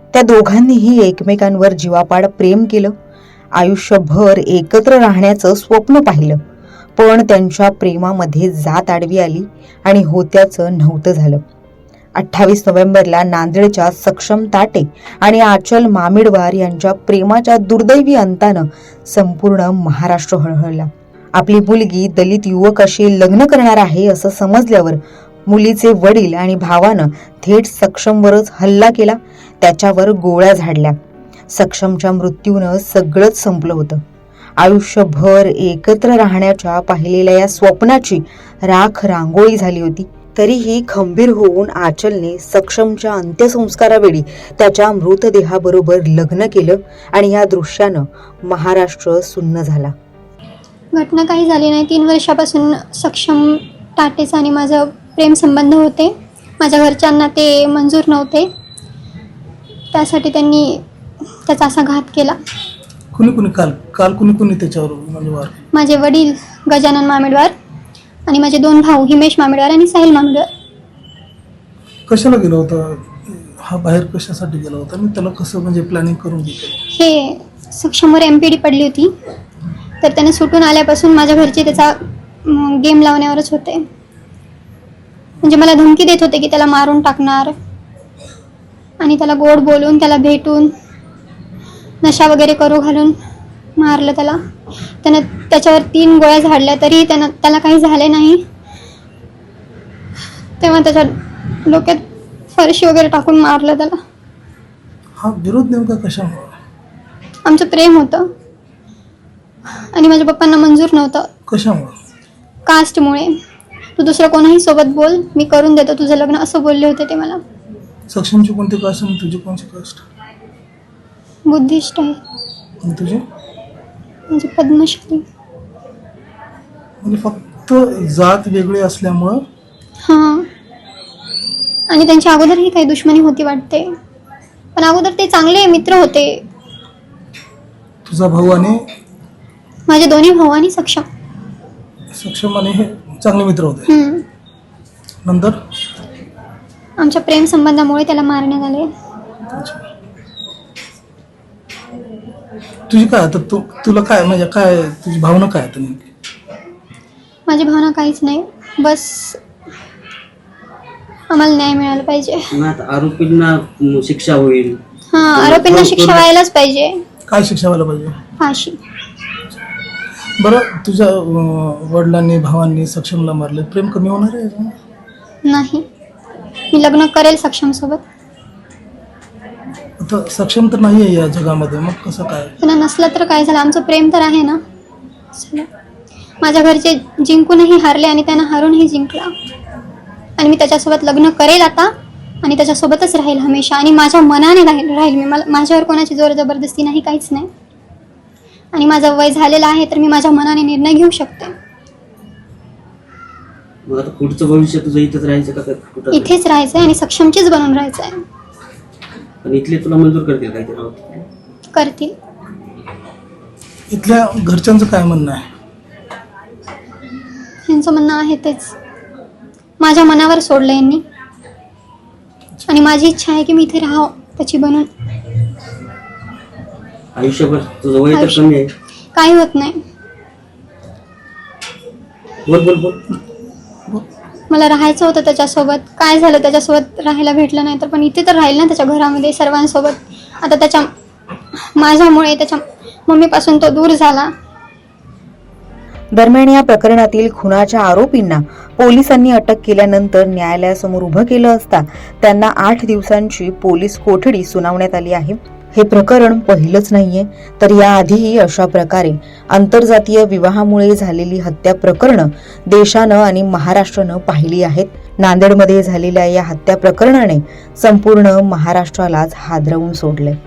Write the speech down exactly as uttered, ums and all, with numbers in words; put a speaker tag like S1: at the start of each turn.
S1: त्या दोघांनीही एकमेकांवर जीवापाड प्रेम केलं, आयुष्यभर एकत्र राहण्याचं स्वप्न पाहिलं. पण त्यांच्या प्रेमामध्ये जात आडवी आली आणि होत्याचं नव्हतं झालं. अठ्ठावीस नोव्हेंबरला नांदेडच्या सक्षम ताटे आणि आचल मामिडवार यांच्या प्रेमाच्या दुर्दैवी अंतानं संपूर्ण महाराष्ट्र हळहळला. आपली मुलगी दलित युवकाशी लग्न करणार आहे असं समजल्यावर मुलीचे वडील आणि भावानं थेट सक्षमवरच हल्ला केला, त्याच्यावर गोळ्या झाडल्या. सक्षमच्या मृत्यूनं सगळंच संपलं होतं. आयुष्यभर एकत्र राहण्याच्या पाहिलेल्या या स्वप्नाची राख रांगोळी झाली होती. तरीही खंबीर होऊन आचलने सक्षमच्या अंत्यसंस्कारावेळी त्याच्या मृतदेहाबरोबर लग्न केलं आणि या दृश्यानं महाराष्ट्र सुन्न झाला.
S2: घटना काही झाली नाही. तीन वर्षापासून सक्षम टाटेचा आणि माझं प्रेम संबंध होते. माझ्या घरच्यांना ते मंजूर नव्हते, त्यासाठी त्यांनी त्याचा असा घात केला.
S3: कुणी कुणी काल काल कुणी कुणी त्याच्यावर म्हणजे वार?
S2: माझे वडील गजानन मामिडवार आणि माझे दोन भाऊ हिमेश मामिडवार आणि साहिल मामिडवार.
S3: कशाला गेला होता हा, बाहेर कशासाठी गेला होता आणि त्याला कसं म्हणजे प्लॅनिंग करून घेतलं?
S2: हे सक्षमवर एम पी डी पडली होती, तर त्याने सुटून आल्यापासून माझ्या घरचे त्याचा गेम लावण्यावरच होते. म्हणजे मला धमकी देत होते की त्याला मारून टाकणार आणि त्याला गोड बोलून त्याला भेटून नशा वगैरे करू घालून मारलं त्याला. त्यानं त्याच्यावर तीन गोळ्या झाडल्या तरी त्यानं त्याला काही झाले नाही. तेव्हा त्याच्या डोक्यात फरशी वगैरे टाकून मारलं त्याला.
S3: हा विरोध नेमका कशामुळे?
S2: आमचं प्रेम होतं आणि माझ्या पप्पांना मंजूर नव्हतं.
S3: कशामुळे?
S2: कास्टमुळे. तू दुसरं कोणाही सोबत बोल, मी करून देतो तुझं लग्न, असं बोलले होते ते मला.
S3: सक्षमची कोणती कास्ट आणि तुझी कोणती कास्ट?
S2: बुद्धिस्ट आहे.
S3: आणि तुझी?
S2: म्हणजे पद्मश्री.
S3: म्हणजे फक्त जात वेगळी असल्यामुळं?
S2: हां. आणि त्यांच्या अगोदरही काही दुश्मनी होती वाटते, पण अगोदर ते चांगले मित्र होते.
S3: तुझा भाऊ आणि
S2: माझे दोन्ही भाऊ आणि सक्षम
S3: सक्षम आणि हे चांगले मित्र होते.
S2: हम्म.
S3: नंतर
S2: आमच्या प्रेम संबंधामुळे त्याला मारण्यात आले.
S3: तुझी काय आता तू तुला काय म्हणजे काय तुझी भावना काय आता नेमकी?
S2: माझी भावना काहीच नाही, बस आम्हाला न्याय मिळाला पाहिजे.
S4: आरोपींना शिक्षा होईल.
S2: हा, आरोपींना शिक्षा व्हायलाच पाहिजे.
S3: काय शिक्षा व्हायला पाहिजे?
S2: फाशी.
S3: बरं, तुझ्या अं, वडिलांनी भावांनी सक्षमला मारले, प्रेम कमी होणार आहे याच्यानं?
S2: नाही, मी लग्न करेल सक्षम सोबत.
S3: आता सक्षम तर नाही आहे या जगामध्ये, मग कसं काय?
S2: त्यांना नसलं तर काय झालं, आमचं प्रेम तर आहे ना. चला. माझ्या घरचे जिंकूनही हारले आणि त्यांना हारूनही जिंकला, आणि मी त्याच्यासोबत लग्न करेल आता आणि त्याच्यासोबतच राहील हमेशा, आणि माझ्या मनाने राहील राहील मी. मला माझ्यावर कोणाची जोर जबरदस्ती नाही, काहीच नाही. आणि माझं वय झालेलं आहे तर मी माझ्या मनाने निर्णय घेऊ शकते.
S4: मग आता पुढचं भविष्य तुझं इथेच राहायचं का कुठं?
S2: इथेच राहायचंय आणि सक्षमचीच बनून राहायचंय.
S4: पण इथले तुला मंजूर करतील काय ते?
S2: करतील.
S3: इथल्या घरच्यांचं काय म्हणणं आहे?
S2: यांचं म्हणणं आहे तेच, माझ्या मनावर सोडलं यांनी, आणि माझी इच्छा आहे की मी इथे राहावं त्याची बनून.
S4: आयुष्यभर तुझं वय तर कमी आहे.
S2: काही होत नाही.
S4: बोल बोल बोल.
S2: मला राहायचं होतं त्याच्यासोबत. काय झालं, त्याच्यासोबत राहायला भेटलं नाही तर, पण इथे तर राहील ना त्याच्या घरामध्ये सर्वांसोबत. आता त्याच्या माझ्यामुळे त्याच्या मम्मीपासून तो दूर झाला.
S1: दरम्यान या प्रकरणातील खुनाच्या आरोपींना पोलिसांनी अटक केल्यानंतर न्यायालयासमोर उभं केलं असता त्यांना आठ दिवसांची पोलीस कोठडी सुनावण्यात आली आहे. हे प्रकरण पहिलंच नाहीये, तर याआधीही अशा प्रकारे आंतरजातीय विवाहामुळे झालेली हत्या प्रकरणं देशानं आणि महाराष्ट्रानं पाहिली आहेत. नांदेडमध्ये झालेल्या या हत्या प्रकरणाने संपूर्ण महाराष्ट्रालाच हादरवून सोडले.